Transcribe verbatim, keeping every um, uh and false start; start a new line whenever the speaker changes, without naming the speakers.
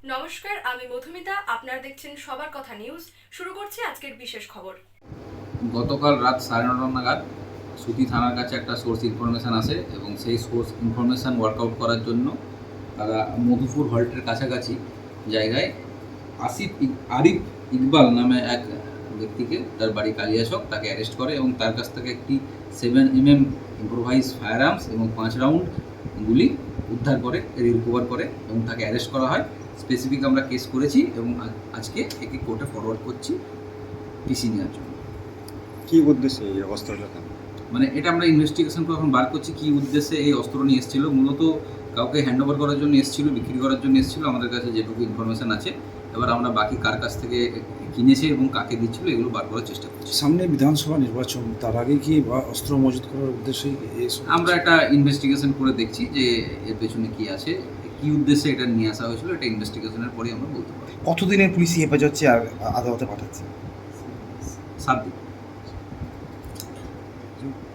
নমস্কার, আমি মধুমিতা। আপনারা দেখছেন সবার কথা নিউজ। শুরু করছি আজকের বিশেষ খবর।
গতকাল রাত সাড়ে নটা নাগাদ সুতি থানার কাছে একটা সোর্স ইনফরমেশান আসে এবং সেই সোর্স ইনফরমেশান ওয়ার্কআউট করার জন্য তারা মধুপুর হল্টের কাছাকাছি জায়গায় আসিফ ইক- আরিফ ইকবাল নামে এক ব্যক্তিকে, তার বাড়ি কালিয়াচক, তাকে অ্যারেস্ট করে এবং তার কাছ থেকে একটি seven M M improvise fire arms এবং পাঁচ রাউন্ড গুলি উদ্ধার করে, রিকভার করে এবং তাকে অ্যারেস্ট করা হয়। স্পেসিফিক আমরা কেস করেছি এবং আজ- আজকে একে কোর্টে ফরওয়ার্ড করছি পিসি নেওয়ার জন্য।
কি উদ্দেশ্যে এই অস্ত্রটা কেন?
মানে এটা আমরা ইনভেস্টিগেশন করে এখন বার করছি কী উদ্দেশ্যে এই অস্ত্র নিয়ে এসেছিলো। মূলত কাউকে হ্যান্ড ওভার করার জন্য এসেছিলো, বিক্রি করার জন্য এসেছিলো, আমাদের কাছে যেটুকু ইনফরমেশান আছে। এবার আমরা বাকি কার কাছ থেকে কিনেছে এবং কাকে দিচ্ছিলো এগুলো বার করার চেষ্টা করছি।
সামনে বিধানসভা নির্বাচন, তার আগে কি বা- অস্ত্র মজুত করার উদ্দেশ্যেই এসব?
আমরা একটা ইনভেস্টিগেশন করে দেখছি যে এর পেছনে কী আছে, কী উদ্দেশ্যে এটা নিয়ে আসা হয়েছিল, এটা ইনভেস্টিগেশনের পরেই আমরা বলতে পারি।
কতদিনের পুলিশি হেফাজত চেয়ে আ- আদালতে পাঠাচ্ছে?
সাত দিন।